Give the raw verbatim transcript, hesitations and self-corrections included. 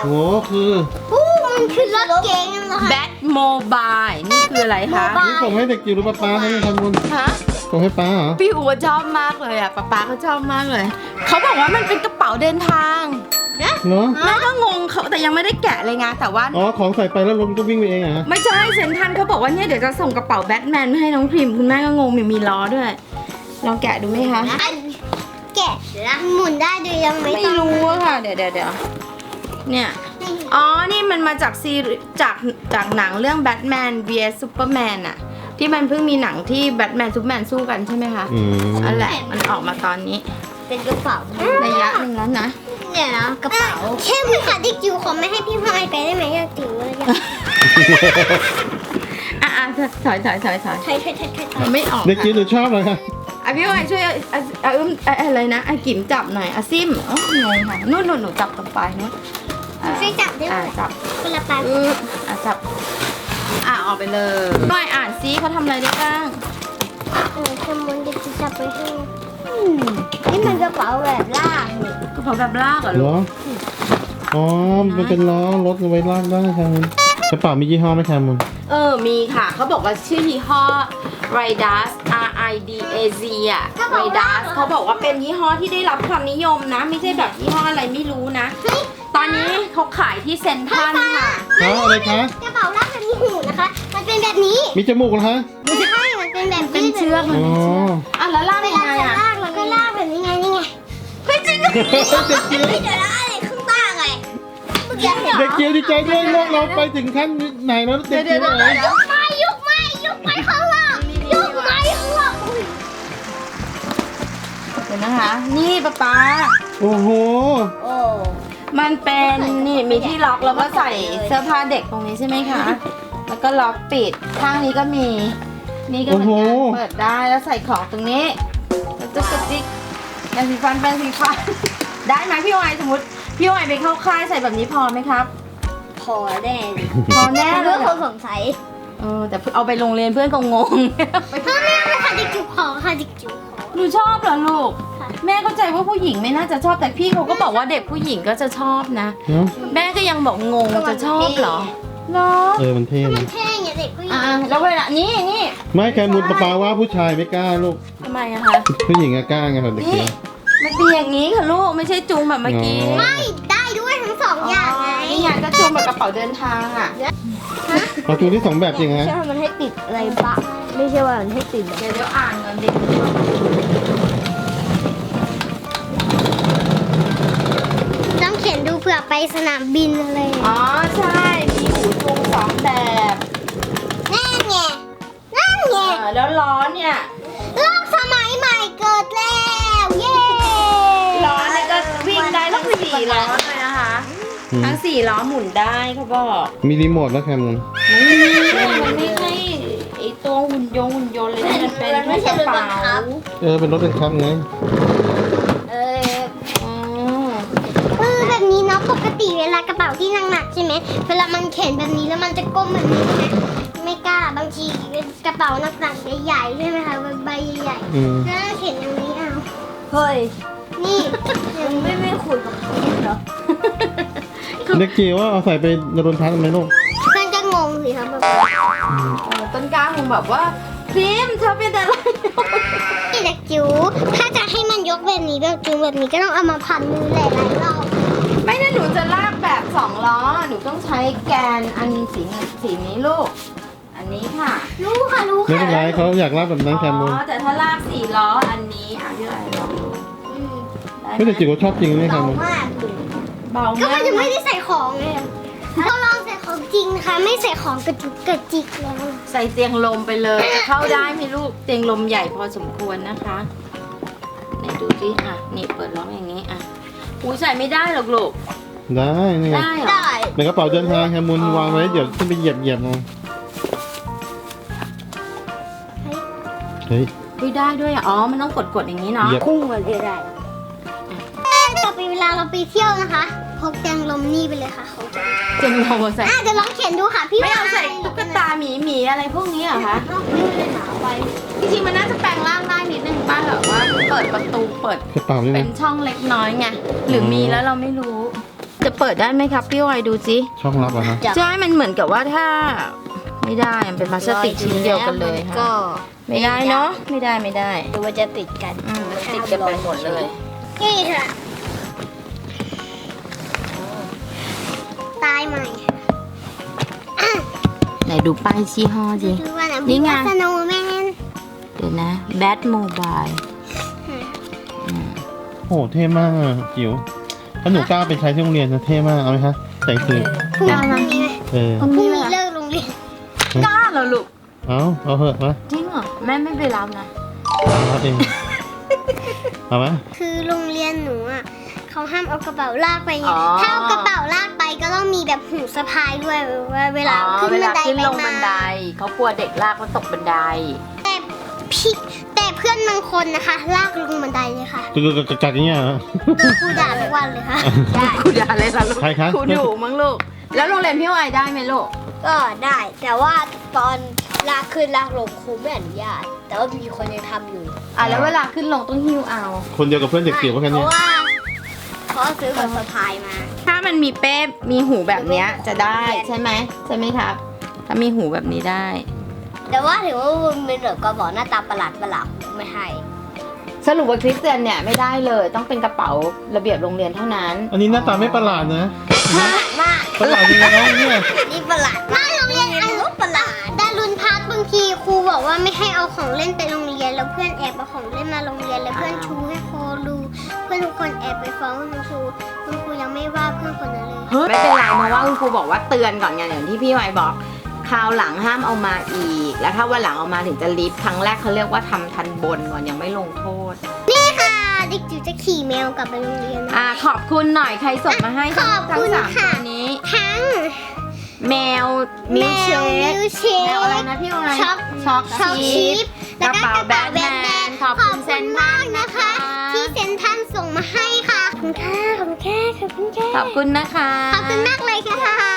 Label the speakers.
Speaker 1: โหคือ
Speaker 2: อู้มันคือรถเก๋งนะคะ
Speaker 3: แบทโมบายนี่คืออะไรคะ
Speaker 1: นี่ส่งให้เด็กจิ๋วหรือป้าป้าเขาเนี่ยทำบุญ
Speaker 3: ฮะ
Speaker 1: ส่งให้ป้าเหรอ
Speaker 3: พี่อู๋ชอบมากเลยอ่ะป๊าป๊าก็ชอบมากเลยเขาบอกว่ามันเป็นกระเป๋าเดินทาง
Speaker 1: เนาะ
Speaker 3: แม่ก็งงเขาแต่ยังไม่ได้แกะเลยไงแต่ว่า
Speaker 1: อ๋อของใส่ไปแล้วลมก็วิ่งไปเองเหรอ
Speaker 3: ไม่ใช่เซนทรันเขาบอกว่าเนี่ยเดี๋ยวจะส่งกระเป๋าแบทแมนให้น้องพริมคุณแม่ก็งงมีมีล้อด้วยลองแกะดูไหมคะ
Speaker 2: แกะหมุนได้โดยยังไม่
Speaker 3: ไม่
Speaker 2: ต้อง
Speaker 3: รู้อะค่ะเดี๋ยวเดี๋ยวเดี๋ยวเนี่ยอ๋อนี่มันมาจากซีรีส์จากจากหนังเรื่องแบทแมน วี เอส ซูเปอร์แมนอะที่มันเพิ่งมีหนังที่แบทแมนซูเปอร์แมนสู้กันใช่ไหมคะ
Speaker 1: อืม
Speaker 3: นั่นแหละมันออกมาตอนนี้
Speaker 2: เป็นกระเป๋า
Speaker 3: ระยะหนึ่งแล้วนะ
Speaker 2: เนี่ยนะกระเป๋าแค่มือค่ะเด็กจิ๋วขอไม่ให้พี่พายไปได้ไหมอยากจิ๋วเลยอยาก
Speaker 3: อ่ะอ่ะถอยถอยถอยถอย
Speaker 2: ไทยไทยไทยไทยไทย
Speaker 3: มันไม่ออก
Speaker 1: เด็กจิ๋วหนูชอบเลยค่ะ
Speaker 3: อ่ะพี่วายช่วยอ่ะอ่ะอ่ะอึ้มอ่ะอะไรนะอ่ะกิ๋มจับหน่อยอ่ะซิมอ๋องงค่ะนู่นนู่นหนูจับตรงปลายนู้นอ่ะ
Speaker 2: ช่วยจับได้ไหม
Speaker 3: อ่ะจับ
Speaker 2: คนละปลาย
Speaker 3: อืออ่ะจับอ่ะออกไปเลยหน่อยอ่านซิเขาทำอะไรได้บ้าง
Speaker 2: เออขโมยเด็กจิ๋วจับไปให้อืมนี่มันกระเป๋าแบบลากนี่
Speaker 3: กระเป๋าแบบลากเหรอ
Speaker 1: เหร
Speaker 3: ลูก
Speaker 1: ออ๋อมันเป็นล้อรถเอาไว้ลากได้ค่ะมันกระเป๋ามียี่ห้อไหมคะมุน
Speaker 3: เออมีค่ะเขาบอกว่าชื่อยี่ห้อ Ridas R I D A Z อ่ะ Ridas เขาบอกว่าเป็นยี่ห้อที่ได้รับความนิยมนะ ไม่ใช่แบบยี่ห้ออะไรไม่รู้นะ ตอนนี้เขาขายที่เซ็นทรัลค่ะ
Speaker 1: อ๋ออะไรคะ
Speaker 2: กระเป๋าลากแบบมีหูนะคะ มันเป็นแบบนี้
Speaker 1: มีจมูกเหรอคะ
Speaker 2: ไม่ใช่มันเป็นแบบ
Speaker 3: เป็นเชือกมัน
Speaker 1: อ๋อ
Speaker 3: เป็นเชือกอ่ะแล้วลาก
Speaker 2: เว
Speaker 3: ยัง
Speaker 2: ลา
Speaker 3: ไง
Speaker 2: จะ
Speaker 3: อ่ะ
Speaker 2: ลากแล้วก็ลากแบบนี้ไงนี่ไง
Speaker 3: เฮ้ยจริงเหรอ
Speaker 1: เด็กจิ๋ว
Speaker 2: ไม่เดี๋ยวลากอะไรข้างล่างไงเมื่อกี้เห็น
Speaker 1: เด็กจิ๋วดีใจด้วยโลกเราไปถึงขั้นไหนแล้วเด็กจิ๋วไหน
Speaker 2: ยกไม้ยกไม้ยกไม้ข้างล่างยกไม้ข้างล่างอุ้ย
Speaker 3: เดี๋ยวนะคะ นี่ป๊าป๊า
Speaker 1: โอ้โห
Speaker 2: โอ้
Speaker 3: มันเป็นนี่มีที่ล็อกแล้วก็ใส่เสื้อผ้าเด็กตรงนี้ใช่ไหมคะ แล้วก็ล็อกปิดข้างนี้ก็มี นี่ก็เหมือนกัน
Speaker 1: โอ้โห
Speaker 3: เปิดได้แล้วใส่ของตรงนี้แล้วก็กระติกแปรงสีฟันแปรงสีฟัน ได้ไหมพี่วายสมมติพี่วายไปเข้าค่ายใส่แบบนี้พอไหมครับ
Speaker 2: พอแน่เลย
Speaker 3: พอแน่เล
Speaker 2: เพื่อย คนสงสัย
Speaker 3: เออแต่เอาไปโรงเรียนเพื่อนก็งง
Speaker 2: ถ้าแม่ไม่ค่ะเด็กจิ๋วขอค่ะเด็กจิ๋วขอ
Speaker 3: หนูชอบเหรอลูก
Speaker 2: ค่ะ
Speaker 3: แม่เข้าใจว่าผู้หญิงไม่น่าจะชอบแต่พี่เขาก็บอกว่าเด็กผู้หญิงก็จะชอบนะ
Speaker 1: เนาะ
Speaker 3: แม่ก็ยังบอกงงจะชอบเหรอเหรอ
Speaker 1: เออมันเท่
Speaker 2: มั
Speaker 1: นะ
Speaker 2: นเท่ไงเด็กผู้หญิง
Speaker 3: อ่าแล้วเวลานี่นี่
Speaker 1: ไม่แคมุนป้าป้าว่าผู้ชายไม่กล้าลูก
Speaker 3: ทำไมอะคะ
Speaker 1: ผู้หญิงอะกล้าไงค่ะเด็ก
Speaker 3: นี่
Speaker 1: จิ๋ว
Speaker 3: มันเป็นอย่างนี้ค่ะลูกไม่ใช่จูงแบบเมื่อกี้
Speaker 1: อ๋อ
Speaker 2: ไม่ได้ด้วยทั้งสองอย่างไง
Speaker 3: นี่ไงก็จูงแบบกระเป๋าเดินทางอ่ะ
Speaker 1: เอาจูที่สองแบบจริงฮะ
Speaker 2: ใช่ว่ามันให้ติดอะไรปะไม่ใช่ว่ามันให้ติดแบบ
Speaker 3: เดี๋ยวเดี๋ยวอ่านก่อนดิ
Speaker 2: ต้องเขียนดูเผื่อไปสนามบินอะไร
Speaker 3: อ๋อใช่มีหูจูงสองแบบ
Speaker 2: นั่นไงนั่นไง
Speaker 3: เออแล้วล้อเนี่ย
Speaker 2: โลกสมัยใหม่เกิดแล้วเย้
Speaker 3: ล้อเนี่ยก็วิ่งได้ทั้งสี่ล้อเลยนะคะ
Speaker 1: อืม
Speaker 3: ทั้งสี่ล้อหมุนได้เขาบอก
Speaker 1: มีรีโมทแล้วแคมุน
Speaker 3: ไม่มีมันไม่ใช่ไอตัวหุ่นยนต์หุ่นยนต์เลยที่มันเป็นแค่กระเป๋า
Speaker 1: เออเป็นรถเป็นคับไง
Speaker 2: เออ
Speaker 3: อ๋อ
Speaker 2: เออแบบนี้เนาะปกติเวลากระเป๋าที่หนักๆใช่ไหมเวลามันเข็นแบบนี้แล้วมันจะก้มแบบนี้ใช่ไหมไม่กล้าบางทีกระเป๋าหนักๆใหญ่ๆใช่ไหมคะใบใหญ่
Speaker 1: อืม
Speaker 2: ๆแล้วเข็นอย่างนี้เอา
Speaker 3: เฮ้ย
Speaker 2: นี่ยังไม่ไม่คุยกับเขาเหรอ
Speaker 1: เด็กจิ๋วว่าเอาใส่ไปนรนทัศน์ไหมลูก
Speaker 2: เพื่อนก็งงสิครับแบบ
Speaker 1: อืม
Speaker 3: เออต้นกล้าคงแบบว่าพิมพ์เธอเป็นอะไร
Speaker 2: เด็กจิ๋วถ้าจะให้มันยกแบบนี้แบบจิ๋วแบบนี้ก็ต้องเอามาพันมือหลายๆรอบ
Speaker 3: ไม่นะหนูจะลากแบบสองล้อ หนูต้องใช้แกนอันสีเงินสีนี้ลูก อันนี้ค่ะ
Speaker 2: รู้ค่ะรู้
Speaker 1: ไม่
Speaker 2: ค่ะ
Speaker 1: เป็นไรเขาอยากรับแบบนั้นแคมุน
Speaker 3: อ๋อแต่ถ้าลากสี่ล้ออันนี้อ่ะพี่อะไรลองดู
Speaker 2: อืม
Speaker 3: ได้ไหม
Speaker 1: ไม่แต่จิ๋วชอบจริงไหมแค
Speaker 2: เบา
Speaker 1: มุน
Speaker 2: มากเลย
Speaker 3: เบา
Speaker 2: ก็
Speaker 3: มา
Speaker 2: มั
Speaker 3: ก
Speaker 2: นจะไม่ได้ใส่ของไงเราลองใส่ของจริงนะคะ ไม่ใส่ของกระจุกกระจิกแล้ว
Speaker 3: ใส่เตียงลมไปเลยจะเข้าได้ไหมลูก เตียงลมใหญ่พอสมควรนะคะไหนดูสิอ่ะนี่เปิดล็อกอย่างนี้อ่ะหูใส่ไม่ได้หรอกลูก
Speaker 1: ได้นี่ไง
Speaker 3: ได้เหรอ
Speaker 2: ได้
Speaker 1: ในกระเป๋าเดินทางแคมุนวางไว้เดี๋ยวขึ้นไปเหยียบเหยียบเอาเฮ้ย
Speaker 3: อุ๊ยได้ด้วยอ่ะอ๋อ มันต้องกดกดๆอย่างนี้เนาะ
Speaker 1: เหยียบ
Speaker 2: พุ่งมาเลยได้ต่อไปเวลาเราไปเที่ยวนะคะพกแตงลมนี่ไปเลยค่ะเขาจะ
Speaker 3: เตียงลมใส่
Speaker 2: อ่ะจะลองเขียนดูค่ะพี่
Speaker 3: ไม่เอาใส่ตุ๊กตาหมีหมีอะไรพวกนี้เหรอคะ
Speaker 2: นอกนี่เลยหนาไป
Speaker 3: จริงๆมันน่าจะแปลงร่างได้นิดนึงป้าแบบว่าเปิดประตูเปิด
Speaker 1: กระเป๋านี่
Speaker 3: เป็
Speaker 1: นะ
Speaker 3: นช่องเล็กน้อยไงหรือมีแล้วเราไม่รู้จะเปิดได้ไหมครับพี่วายดูสิ
Speaker 1: ช่องลับอะฮะ
Speaker 3: ใช่มันเหมือนกับว่าถ้าไม่ได้มันเป็นพลาสติกชิ้นเดียวกันเลย
Speaker 2: ก็
Speaker 3: ค่ะไม่ได้เนาะไม่ได้ไม่ได้
Speaker 2: ดูว่าจะติดกัน
Speaker 3: อืมมันติดกันไปหมดเลย
Speaker 2: นี่ค่ะตายใหม่อ่ะ
Speaker 3: ไหนดูป้ายชี้ห้อสิ
Speaker 2: ดูว่านะ
Speaker 3: นี่ไง
Speaker 2: สโนว์แมน
Speaker 3: เดี๋ยวนะแบทโมบาย
Speaker 1: โอ้โหเท่มากอะจิ๋วถ้าหนูกล้าไปใช้ที่โรงเรียนจะเท่มากเอาไหมคะแต่งคืน
Speaker 2: พรุ่งนี้ไหม
Speaker 1: เออ
Speaker 2: พรุ่งนี้เลิกโรงเรียน
Speaker 3: กล้าเหรอลูก
Speaker 1: เอาเอาเหอะมา
Speaker 3: จริงเหรอแม่ไม่ไปรับนะ
Speaker 1: เอารับเองเอาไหม
Speaker 2: คือโรงเรียนหนูอ่ะเขาห้ามเอากระเป๋าลากไปไง
Speaker 3: อ๋อ
Speaker 2: ถ้าเอากระเป๋าลากไปก็ต้องมีแบบหูสะพายด้วยว่าเวลา
Speaker 3: อ๋อ
Speaker 2: ขึ้น
Speaker 3: เว
Speaker 2: บั
Speaker 3: ลาน
Speaker 2: ได
Speaker 3: ขึ้น
Speaker 2: ไป
Speaker 3: ลงบันได
Speaker 2: มา
Speaker 3: เขากลัวเด็กลากแล้วตกบันได
Speaker 2: แต่พี่แต่เพื่อนบางคนนะคะ ลากลงบันไดเลยค่ะ
Speaker 1: กึกกึกกึกกักอย่างเงี้ยเหรอ
Speaker 2: ครูด่าทุกวันเลยค่ะ
Speaker 3: ครูด่าอะไรล่ะลูก
Speaker 1: ใครคะ
Speaker 3: ครูดุมั้งลูกแล้วโรงเรียนพี่วายได้ไหมลูก
Speaker 4: ก็ได้แต่ว่าตอนลากขึ้นลากลงครูไม่อนุญาต แต่ว่ามีคนยังทำอยู่
Speaker 3: อ่ะแล้วเวลาขึ้นลงต้องหิ้วเอา
Speaker 1: คนเดียวกับเพื่อนเด็กเกี่ยวกัน
Speaker 4: เพ
Speaker 1: เนี่ย
Speaker 4: ราะว่าเขาซื้อแบบสะพายมา
Speaker 3: ถ้ามันมีเป้มีหูแบบเนี้ยจะได้ใช่ไหมใช่ไหมครับ ถ้ามีหูแบบนี้ได้
Speaker 4: แต่ว่าถือว่ามันเป็นแบบกระบอกหน้าตาประหลาดประหลาดไม่ให้
Speaker 3: สรุปว่าคริสเตียนเนี่ยไม่ได้เลยต้องเป็นกระเป๋าระเบียบโรงเรียนเท่านั้น
Speaker 1: อันนี้หน้าตาไม่ประหลาดนะ
Speaker 4: มาก
Speaker 1: ประหลาดยังไงเนี่ย
Speaker 4: นี่ประหลาดมากโรงเรียนอันรู้ประหลาด
Speaker 2: ดารุนพักบางทีครูบอกว่าไม่ให้เอาของเล่นไปโรงเรียนแล้วเพื่อนแอบเอาของเล่นมาโรงเรียนแล้วเพื่อนชูให้ครูดูเพื่อนทุกคนแอบไปฟ้องคุณครูคุณครูยังไม่ว่าเพื่อนคนนั้นเลย
Speaker 3: ไม่เป็นไรเพราะว่าคุณครูบอกว่าเตือนก่อนไงอย่างที่พี่ไวบอกคราวหลังห้ามเอามาอีก แล้วถ้าวันหลังเอามาถึงจะลิฟต์ครั้งแรกเขาเรียกว่าทำทันบนก่อนยังไม่ลงโทษ
Speaker 2: นี่ค่ะเด็กจิ๋วจะขี่แมวกลับไปโรงเรียนนะ
Speaker 3: อ่าขอบคุณหน่อยใครส่งมาให้ทั้ง
Speaker 2: ขอบ
Speaker 3: ทั้
Speaker 2: คุ
Speaker 3: ง
Speaker 2: ณ
Speaker 3: สาม
Speaker 2: ค่ะ
Speaker 3: ตัวนี้
Speaker 2: ทั้ง
Speaker 3: แมวมิลเช
Speaker 2: แมว
Speaker 3: ค
Speaker 2: มิลเชค
Speaker 3: แมวอะไรนะพี่ไว
Speaker 2: ช็อก
Speaker 3: ช็อก
Speaker 2: ช็อก
Speaker 3: ชิ
Speaker 2: ชิ
Speaker 3: ป
Speaker 2: ป
Speaker 3: กระเป๋าแบทแมนขอบคุณเซน
Speaker 2: มากนะคะ ที่เซนทรันส่งมาให้ค่ะขอบคุณค่ะขอบคุณค่ะขอบคุณค่ะ
Speaker 3: ขอบคุณนะคะ
Speaker 2: ขอบคุณมากเลยค่ะ